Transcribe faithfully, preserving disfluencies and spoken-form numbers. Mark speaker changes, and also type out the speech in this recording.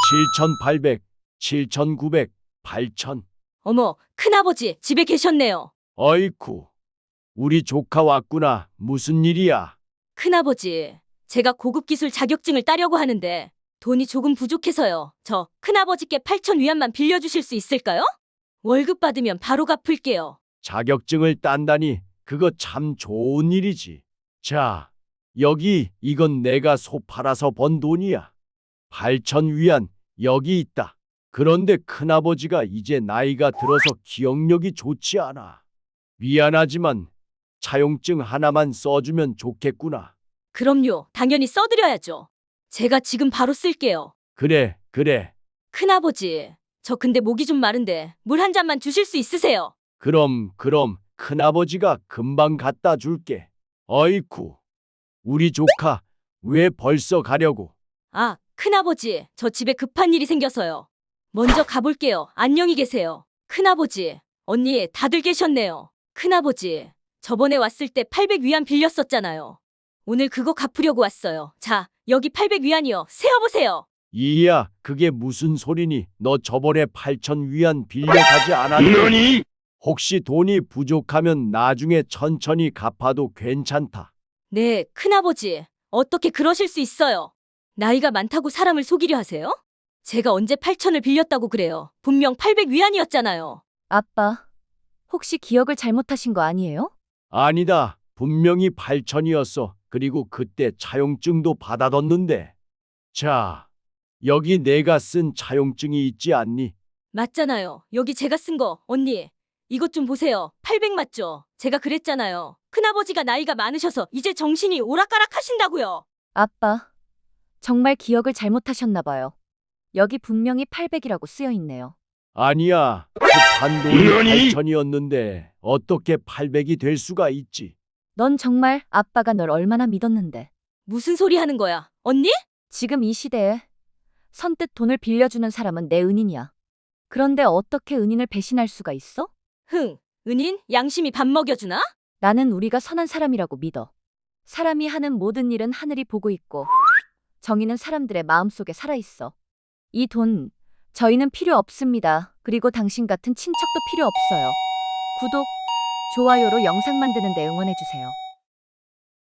Speaker 1: 칠천팔백, 칠천구백, 팔천.
Speaker 2: 어머, 큰아버지 집에 계셨네요.
Speaker 1: 어이쿠, 우리 조카 왔구나. 무슨 일이야?
Speaker 2: 큰아버지, 제가 고급 기술 자격증을 따려고 하는데 돈이 조금 부족해서요. 저 큰아버지께 팔천 위안만 빌려주실 수 있을까요? 월급 받으면 바로 갚을게요.
Speaker 1: 자격증을 딴다니 그거 참 좋은 일이지. 자, 여기 이건 내가 소 팔아서 번 돈이야. 팔천 위안 여기 있다. 그런데 큰아버지가 이제 나이가 들어서 기억력이 좋지 않아. 미안하지만 차용증 하나만 써주면 좋겠구나.
Speaker 2: 그럼요, 당연히 써드려야죠. 제가 지금 바로 쓸게요.
Speaker 1: 그래, 그래.
Speaker 2: 큰아버지, 저 근데 목이 좀 마른데 물 한 잔만 주실 수 있으세요?
Speaker 1: 그럼, 그럼 큰아버지가 금방 갖다 줄게. 어이쿠, 우리 조카 왜 벌써 가려고?
Speaker 2: 아, 큰아버지, 저 집에 급한 일이 생겨서요. 먼저 가볼게요. 안녕히 계세요. 큰아버지, 언니 다들 계셨네요. 큰아버지, 저번에 왔을 때 팔백 위안 빌렸었잖아요. 오늘 그거 갚으려고 왔어요. 자, 여기 팔백 위안이요. 세어보세요.
Speaker 1: 이야, 그게 무슨 소리니? 너 저번에 팔천 위안 빌려가지 않았니? 혹시 돈이 부족하면 나중에 천천히 갚아도 괜찮다.
Speaker 2: 네, 큰아버지, 어떻게 그러실 수 있어요? 나이가 많다고 사람을 속이려 하세요? 제가 언제 팔천을 빌렸다고 그래요? 분명 팔백 위안이었잖아요.
Speaker 3: 아빠, 혹시 기억을 잘못하신 거 아니에요?
Speaker 1: 아니다. 분명히 팔천이었어. 그리고 그때 차용증도 받아뒀는데. 자, 여기 내가 쓴 차용증이 있지 않니?
Speaker 2: 맞잖아요. 여기 제가 쓴 거, 언니. 이것 좀 보세요. 팔백 맞죠? 제가 그랬잖아요. 큰아버지가 나이가 많으셔서 이제 정신이 오락가락 하신다고요.
Speaker 3: 아빠, 정말 기억을 잘못하셨나 봐요. 여기 분명히 팔백이라고 쓰여 있네요.
Speaker 1: 아니야. 급한 돈이 팔천이었는데 어떻게 팔백이 될 수가 있지?
Speaker 3: 넌 정말 아빠가 널 얼마나 믿었는데.
Speaker 2: 무슨 소리 하는 거야? 언니?
Speaker 3: 지금 이 시대에 선뜻 돈을 빌려주는 사람은 내 은인이야. 그런데 어떻게 은인을 배신할 수가 있어?
Speaker 2: 흥, 은인? 양심이 밥 먹여주나?
Speaker 3: 나는 우리가 선한 사람이라고 믿어. 사람이 하는 모든 일은 하늘이 보고 있고 정의는 사람들의 마음속에 살아있어. 이 돈, 저희는 필요 없습니다. 그리고 당신 같은 친척도 필요 없어요. 구독, 좋아요로 영상 만드는 데 응원해주세요.